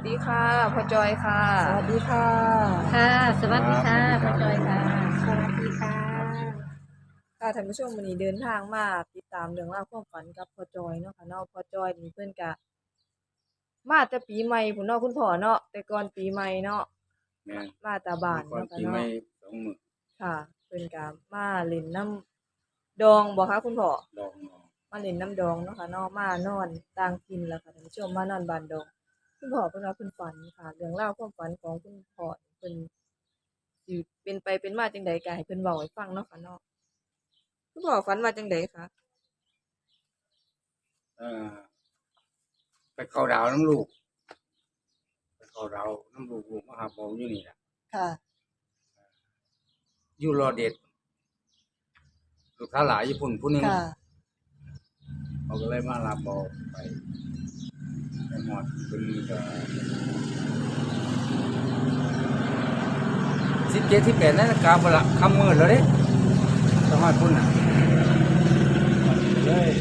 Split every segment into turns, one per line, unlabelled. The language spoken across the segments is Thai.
ดีค่ะพ่อจอยค่ะ
สวัสดีค่ะ
ค่ะสวัสดีค่ะ
สวัสดีครับ
ป้าจอยค่ะ
สวัสดีค่ะ
ค่ะท่านผู้ชมวันนี้เดินทางมาติดตามเรื่องราวความฝันกับพ่อจอยเนาะค่ะเนาะพ่อจอยนี่เพิ่นก็มาแต่ปีใหม่พุ่นเนาะคุณพ่อเนาะแต่ก่อนปีใหม่เนาะ
แม่น
มาแต่บ้าน
ก่อน
เนาะค่ะ
ปีใหม่
เนาะ
2 มื้อ
ค่ะเพิ่นก็มาเล่นน้ำดองบ่คะคุณพ่อ
ดองออก
มาเล่นน้ำดองเนาะค่ะเนาะมานอนต่างถิ่นล่ะค่ะท่านผู้ชมมานอนบ้านดองคุณพ่อเพิ่นว่าเพิ่นฝันค่ะเรื่องราวความฝันของคุณพ่อเพิ่นสิเป็นไปเป็นมาจังใดก็ให้เพิ่นเว้าให้ฟังเนาะค่ะเนาะคุณพ่อฝันว่าจังใดคะ
เอ่อไปเข้าดาวน้ำลูกไปเข้าดาวน้ำลูกมาหาผมอยู่นี่ล่ะ
ค่ะ
อยู่รอเด็ดลูกค้าหลายญี่ปุ่นผู้หนึง
ค่ะ
เขาก็เลยมารับบ่ไปไปหมดเพิ่นก็17 18นาฬิกาพุ่นล่ะค่ำมืดแล้วเด้ต้องฮอดพุ่นน่ะเลย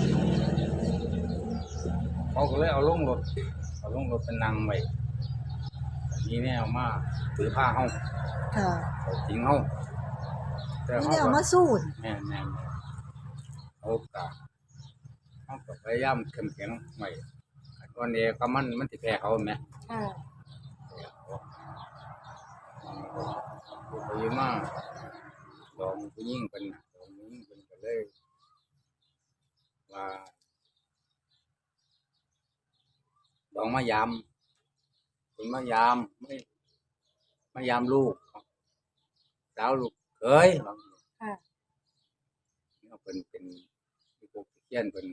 เขาก็เลยเอาลงรถเป็นนั่งไว้ทีนี้เอามาถือผ้าเฮา
ค่ะ
เอาจริงเฮาแต่
นี่
เฮา
เนี่ยเอา
ก็
มาสู้น
แม่นเอากะเฮาก็พยายามเข้มแข็งไว้ก่อนนี้ก็มันสิแพ้เขาแหม
ค่ะ
ไปอยู่มาดองผู้หญิงเพิ่นน่ะดองผู้หญิงเพิ่นก็เลยว่าดองมายามเพิ่นมายามมายามลูกสาวลูกเขยว่า
ค่ะ
เพิ่นเป็นที่พวกเขียนเพิ่น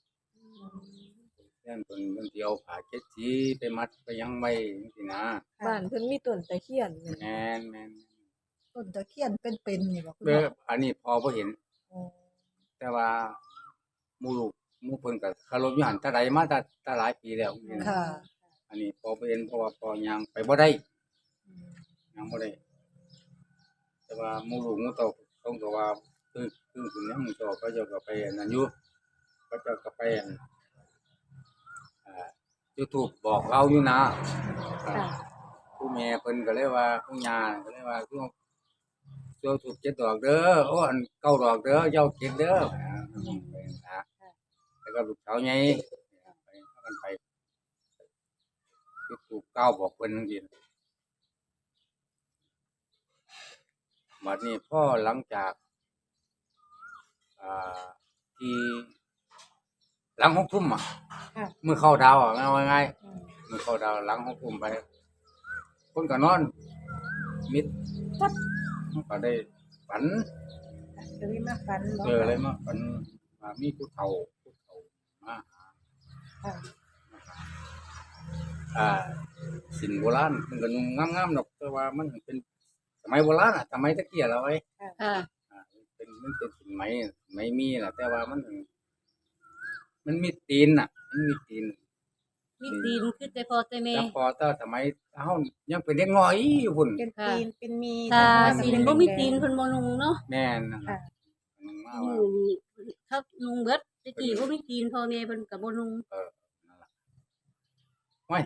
เพิ่นสิเอาผ้าเช็ดสีไปมัดไปหยังไว้จังซี่นะ
บ้านเพิ่นมีต้นตะเคียนแม่น
แม่น
ต้นตะเคียนเป็นๆนี่บ่คุณ
เด้
พ่
อ
อ
อันนี้พอบ่เห็น
อ๋อ
แต่ว่าหมู่ลูกหมู่เพิ่นก็เคารพอยู่หั่นแต่ใดมาแต่หลายปีแล้วนี่นะ
ค่ะ
อันนี้พอบ่เห็นเพราะว่าพอย่างไปบ่ได้ย่างบ่ได้แต่ว่าหมู่ลูกหมู่เต้าเขาก็ว่าคือขึ้นยังหมู่เต้าเขาเจ้าก็ไปอันนั้นอยู่เขาเจ้าก็ไปอันYouTube บอกเราอยู่นะ
ค่ะ
ผู้แม่เพิ่นก็เลยว่าผู้ย่าก็เลยว่าช่วถูก7 ดอกเด้อโอ้อัน9 ดอกเด้อเจ้าเก็บเด้อไปนะแล้วก็ลูกสาวใหญ่ไปพากันไปจุดธูป9บอกเพิ่นจังซี่บัดนี้พอหลังจากอ่าที่หลัง6 ทุ่มอะ
ค่ะ
มื้อเข้าดาวอะเอาง่ายๆมื้อเข้าดาวหลัง6 ทุ่มไปเพิ่นก็นอนมิดปั๊บมันก็ได้ฝัน
จะมีมาฝันบ่
เลยมาฝันว่ามีผู้เฒ่ามาหา
ค่ะ
อ่าสินโบราณมันก็นุ่งงามๆดอกแต่ว่ามันเป็นสมัยโบราณอ่ะสมัยตะเกียแล้วไว้
ค่ะ
มันเป็นสินไหมมีน่ะแต่ว่ามันมีตีนน่ะมันมีตีน
มีตีนคือแต่พอแต่แม่
แต่พอแต่สมัยเฮายังเป็นเด็กน้อยอยู่พุ่น
เป็นตีนเป็นมี
ถ้า
แต่
สิน
เป็
บ่มี
แดงๆ
ตีนเพิ่นบ่นุงเนาะ
แม่นนั่น
ค่ะ
น่ะนุ่งมา
อื
ว่า
อเขานุงเบิดแตะกี้บ่มีตีนพ่อแม่เพิ่นก็บ่นุง
นั่นล่ะโอ้ย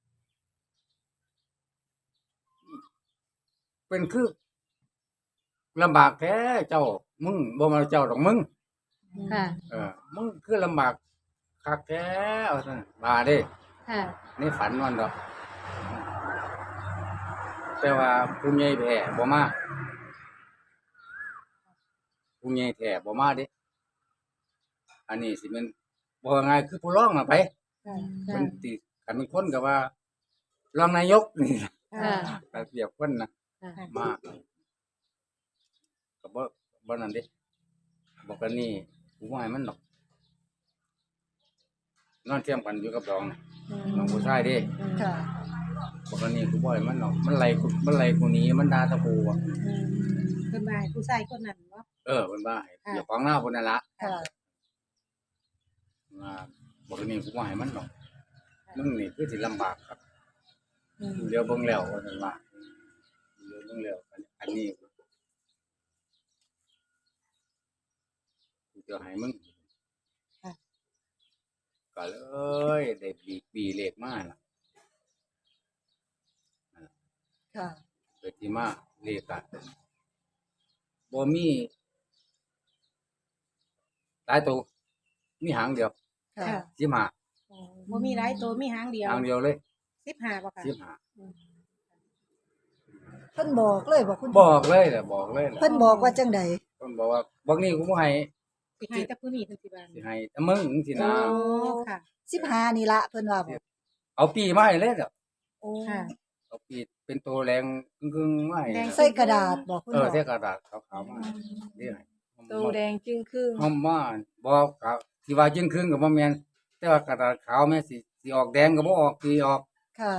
เป็นคือลำบากแท้เจ้ามึงบ่มาเจ้าดอกมึง
ค่ะ
มึงคือลำบากคักแท้ว่าซั่นว่าเด้
ค่ะ
ในฝันมันดอก แต่ว่าผู้ใหญ่แท้บ่มาผู้ใหญ่แท้บ่มาเด้อันนี้สิแม่นบ่ว่าง่ายคือผู้รองน่ะไป
ค่ะ
เพิ่นสิคันเป็นคนก็ว่ารองนายกนี่
ค่ะ
ก็เรียกเพิ่นน่ะ
ค่ะ
มาก็บ่นั่นเด้บอกกันนี่กูบ่ให้มันดอกนอนเทียมกันอยู่กับดองน่ะน้องผู้ชายเด้
ค่ะ
บอกกันนี่กูบ่ให้มันดอกมันไล่กูหนีมันด่าตะกูอะ
เพิ่นว่าให้ผู้ชายคนนั้นบ่
เพิ่นว่าให้อย่าขวางหน้าพุ่นนั่นล่ะ
ค่ะ
ว่าบอกนี่กูว่าให้มันดอกมึงนี่คือสิลำบากครับเดี๋ยวเบิ่งแล้วว่าซั่นว่าเดี๋ยวเบิ่งแล้วอันนี้กูจะให้มึง
ค่ะ
ก็เลยได้บีเลขมาล่ะ
ค่ะ
เกิดที่มาเลขอะบ่มีหลายตัวมีหางเดียว
ค่ะ
ค่ะ
15
บ่มีหลายตัวมีหางเดียว
หางเดียวเลย
15บ่ค่ะ
เพิ่นบอกเลยบอกคุณ
บอกเลยแหละบอกเลยแหละ
เพิ่นบอกว่าจังใด
เพิ่นบอกว่าบักนี้กูบ่ให้
สิให้แต่ผู้นี้เพิ่นสิบาน
สิให้แต่มึงจังซี่นะ
โอ้ค่ะ
15นี่ละเพิ่นว่าบอก
เอาปีมาให้เลยเด้อ
โอ้
ค่ะ
เอาปีเป็นตัวแรงกึ่งๆมาให้
แดง
ใส่กระดาษบอกคุณ
เออ
บอก
ใส่กระดาษขาวๆมาเด้อให้
โตแดงจึงครึ่ง
หอมมาบอกครับสิว่าจึงครึ่งก็บ่แม่นแต่ว่ากระดาษขาวแม่สิออกแดงก็บ่ออกสิออก
ค่ะ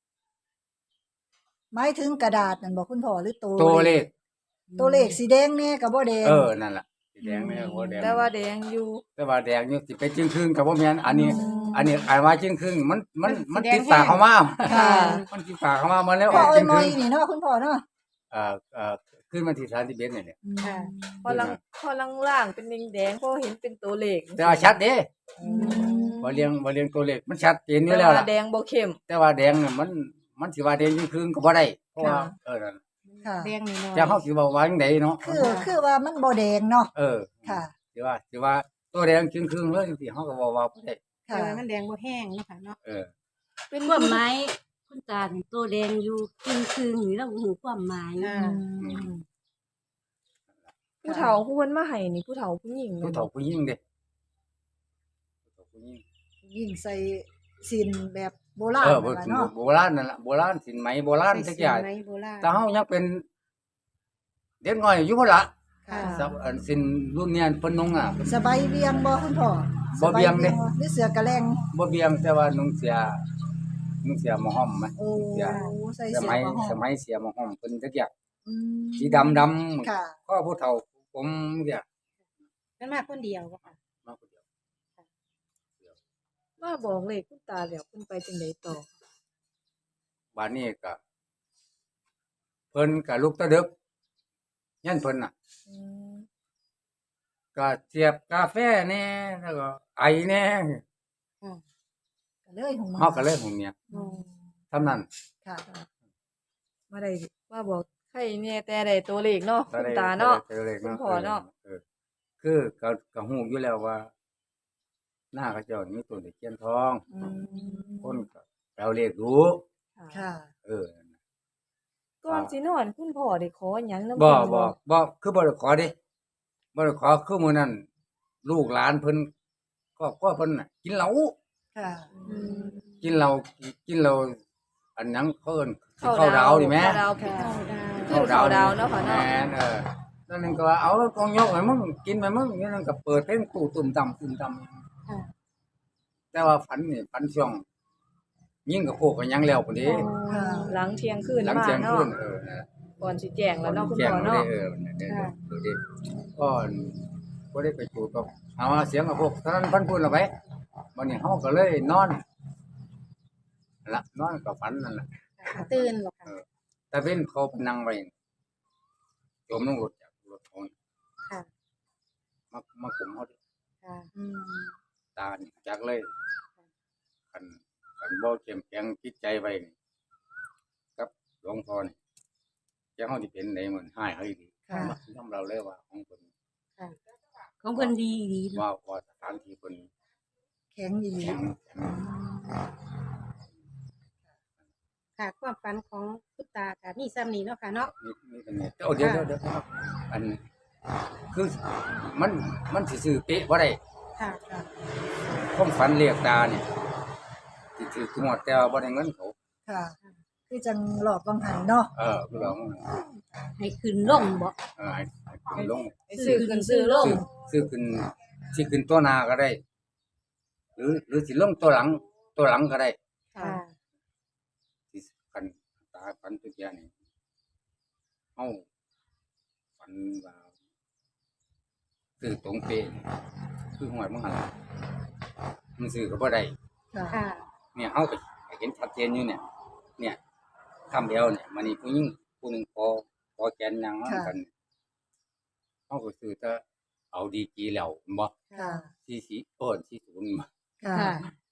หมายถึงกระดาษนั่นบอกคุณพ่อหรือตัว
ตัวเลข
ตัวเลขสีแดงแน่ก็บ่แดง
เออนั่นล่ะสีแดงแม่บ่แดง
แต่ว่าแดงอยู่
แต่ว่าแดงอยู่สิไปจึงครึ่งก็บ่แม่นอันนี้ อันนี้อ่านว่าจึงครึ่งมัน
มันสีแดง
ติดปากเข้ามา
ค่ะ
มันติดปากเข้ามามันแล้วอ
พ่อ
อก
เอ้
จึ
ย
ง
ม
ค
อ
รึ่
ย
ง
นี่เนาะคุณพ่อเนาะ
ขึ้นมาที่31นี่แหละ
ค่ะ
พอล่างๆเป็นแดงๆพอเห็นเป็นตัวเลข
แต่ว่าชัดเด้
อืม
บ่เรียงตัวเลขมันชัดเจนอยู่
แต่
แล้ว
ว่า
ล่ะ
แดงบ่เข้ม
แต่ว่าแดงน่ะมันสิว่าแดงจึงครึ่งก็บ่ได้เพราะว่า
ค่ะ
นั่น
ค่ะ
แดงนี่น้อย
แต่เฮาสิว่าจังไดเนาะ
คือว่ามันบ่แดงเนาะ
เออ
ค่ะ
สิว่าตัวแดงจึงครึ่งเลยจังซี่เฮาก็ว่าบ่ได้
แต่
ค่ะ
ว่ามันแดงบ่แห้งเนาะค่ะเนาะ
เออ
เป็นความหมายคุณตานี่ตัวแดงอยู่คือๆนี่เราหูความหมาย
อ่า
ผู้เฒ่าผู้เพิ่นมาให้นี่ผู้เฒ่าผู้หญิง
ผู้เฒ่าผู้หญิงเด้ผู้เฒ่าผู้หญิง
ยิ่งใส่สินแบบโบราณ
เออ
นั่นล่ะเนาะ
โบราณนั่นล่ะโบราณสินไหมโบราณจักอย่าง
ใส่สีไม้โบราณ
ถ้าเฮายังเป็นเด็กน้อยอยู่พุ่นล่ะ
ค่ะ
สับอันสินรุ่นเนี้ยเพิ่นนุ่งอ่ะ
สบายเวียงบ่คุณพ่อ
บ่เวียงเด้
สบาหรือเสือกระแลง
บ่เบียงแต่ว่านุ่งเสียหมอห้อมไหม
โอ้
เสีย
ใส่
ส
เสื้อ
มัย
ผ้าห่ม
สมัยเสียหมอห้อมเพิ่นจักอย่าง
อืม
สีดำ
ค่ะ
ก็ผู้เฒ่าผมเรียก
มันมาคนเดียวบ่ค่ะ
มาผู้เดียว
มาบอกเลขคุณตาแล้วเพิ่นไปจังได๋ต่อ
บัดนี้ก็เพิ่นก็ลุกแตะดึกยันเพิ่นน่ะ
อืม
ก็เสียบกาแฟแน่แล้วก็ไอแน่
ก็เลยของ
เฮาก็เลยผมเนี่ย
อืม
เท่านั้น
ค่ะมาได้มาบอกใครแน่แต่ได้ตัวเลขเนาะคุณตาเนาะ
จอเลข
คุณพ่อเนาะ
คือก็ฮู้อยู่แล้วว่า หน้าเขาเจ้านี่มีต้นตะเคียนทอง
อืม
คนก็เอาเลขดู
ค่ะ
เออ
ก่อนสินอนคุณพ่อได้ขอหยังนำ
บ่
เพิ่น
บ่คือบ่ได้ขอเด้บ่ได้ขอคือมื้อนั้นลูกหลานเพิ่นก็เพิ่นน่ะกินเหล้า
ค่ะ
อืม
กินเหล้าอันหยังเขาเอิ้นสิเข้าดาวนี่แหม
เข้าดาว
ค่ะ
คือเข้าดาวเนาะค่ะเนาะ
แม่นนั่นนึงก็ว่าเอากองยกให้มึงกินไปมึงนี่นั่นก็เปิดเพลงตู้ตุ่มต่ำ
ค่ะ
แต่ว่าฝันนี่ฝันช่วงยิ่งกับโคกกันยังแล้วพุ่นเด้
ค่ะ หลังเที่ยงคืน
หลัง
มา
เที่ยง
เนาะ
คืนนั่นแหละ
ก่อนสิแจ้งแล้วเนาะคุณ
แจ้ง
พ่อ
บ่ได้
เนาะ
ดูดิก็บ่ได้ไปจูดกับเอาเสียงกับพวกตอนนั้นฝันพุ่นละไปวันนี้เฮาก็เลยนอนนั่นละนอนกับฝันนั่นล่ะ
ตื่นบ่ค่ะ
แต่เว้นเขาไปนั่งไว้จมลงรถจากรถเขาน่ะ
ค่ะ
มาคุมเฮาดิ
ค่ะ
อืม
ตานี่จักเลยคันบ่เข้มแข็งจิตใจไว้นี่กับหลวงพ่อนี่จะเฮาสิเป็นได้เหมือนหายเฮาอีหลี
ค่ะ
ยอมเราเลยว่าของเพิ่น
ของเพิ่นดีดี
ว่าสถานที่เพิ่น
แข็งดี
แข็ง
ค่ะความฝันของคุณตาค่ะมีซ้ำนี้เนาะค่ะเนาะ
นี่เป็นเนี่ยเดี๋ยวครับอันคือมันสิซื้อเป๊ะบ่ได้
ค่ะ
ความฝันเรียกตาเนี่ยสิถือทุกหมดแต่ว่าบ่ได้เงินเขา
ค่ะ คือจังหลอกบางหันเนาะ
คือเรา
ให้ขึ้นลงบ่
ให้ขึ้นลง
ไปซื้อขึ้นซื้อลง
ซื้อขึ้นสิขึ้นตัวหน้าก็ได้ หรือสิลงตัวหลังก็ได้
ค่ะ
ที่คันตาฝันทุกอย่างนี่เฮาฝันว่าซื้อตรงเป๊ะคือหวยมันหั่นล่ะมันซื้อก็บ่ได้
ค่ะ
ค่ะ
เนี่ยเฮาก็เห็นชัดเจนอยู่เนี่ยคำเดียวเนี่ยมันนี่ผู้หญิงผู้หนึงพอแกนนางมากันเฮาก็ซื้อแต่เอาดีกีแล้วแม่นบ่
ค่ะ
40 40บ่
ค่ะ
ค่ะ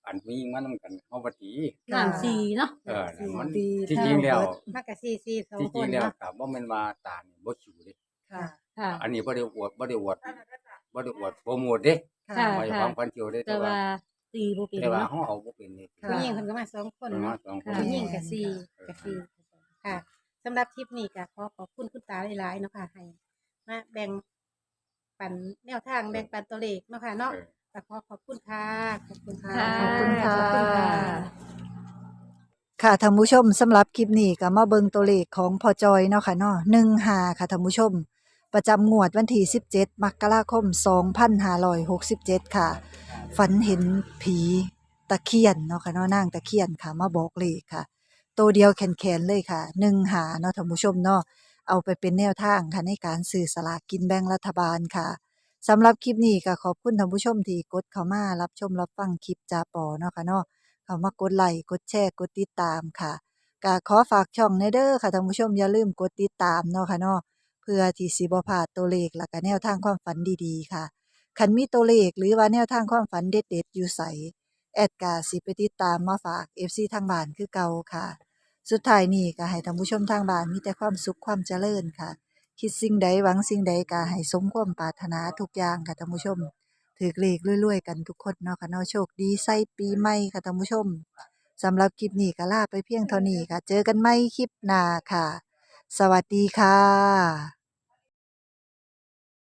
อันมีมันนำกันเฮาบ่ตี
น้ำสีเนาะ
มัน
ตี
ที่จริงแล้ว
มากกับซีสอง
ที่
ค
จริง
น
แล้ว
เนาะ
ก็บ่แม่นว่าตานี่บ่ชิวเด้
ค่ะ
ค่ะ
อันนี้บ่ได้อวดโปรโมทเด้
ค่ะ
ไม่ความพันเที่ยวเด้
แต่ว่าตีบ่เป็น
แต่ว่า
เนาะ
เฮาเอาบ่เป็นนี่
ค่ะ
ผู้หญิงเพิ่นก็มาสองคน
ประมา
เนาะ
ณ2คน
ค่ะ
ผู้หญิงกับซีค่ะสำหรับคลิปนี้ก็ขอบคุณคุณตาหลายๆเนาะค่ะให้มาแบ่งปันแนวทางแบ่งปันตัวเลขเนาะค่ะเนาะ
เออ
ก็ขอบคุณค่ะขอบคุณค่ะ
ค่ะ
ขอบคุณค่ะ
ขอบคุณค่ะ
ค่ะท่านผู้ชมสำหรับคลิปนี้ก็มาเบิ่งตัวเลขของพอจอยเนาะค่ะเนาะ15ค่ะท่านผู้ชม ประจำงวดวันที่17 มกราคม 2567 ค่ะ ฝันเห็นผีตะเคียนเนาะค่ะเนาะนางตะเคียนค่ะมาบอกเลขค่ะตัวเดียวแขนๆเลยค่ะ15เนาะท่านผู้ชมเนาะเอาไปเป็นแนวทางค่ะในการซื้อสลากกินแบ่งรัฐบาลค่ะสำหรับคลิปนี้ก็ขอบคุณท่านผู้ชมที่กดเข้ามารับชมรับฟังคลิปจาปอเนาะค่ะเนาะ เข้ามากดไลค์กดแชร์กดติดตามค่ะก็ขอฝากช่องในเด้อค่ะท่านผู้ชมอย่าลืมกดติดตามเนาะค่ะเนาะเพื่อที่สิบ่พลาดตัวเลขแล้วก็แนวทางความฝันดีๆค่ะคันมีตัวเลขหรือว่าแนวทางความฝันเด็ดๆอยู่ไสแอดกาสิไปติดตามมาฝาก FC ทางบ้านคือเก่าค่ะ สุดท้ายนี้ก็ให้ท่านผู้ชมทางบ้านมีแต่ความสุขความเจริญค่ะ คิดสิ่งใดหวังสิ่งใดก็ให้สมความปรารถนาทุกอย่างค่ะท่านผู้ชม ถือเลขรวยๆกันทุกคนเนาะค่ะเนาะโชคดีใส่ปีใหม่ค่ะท่านผู้ชมสำหรับคลิปนี้ก็ลาไปเพียงเท่านี้ค่ะ เจอกันใหม่คลิปหน้าค่ะ สวัสดีค่ะ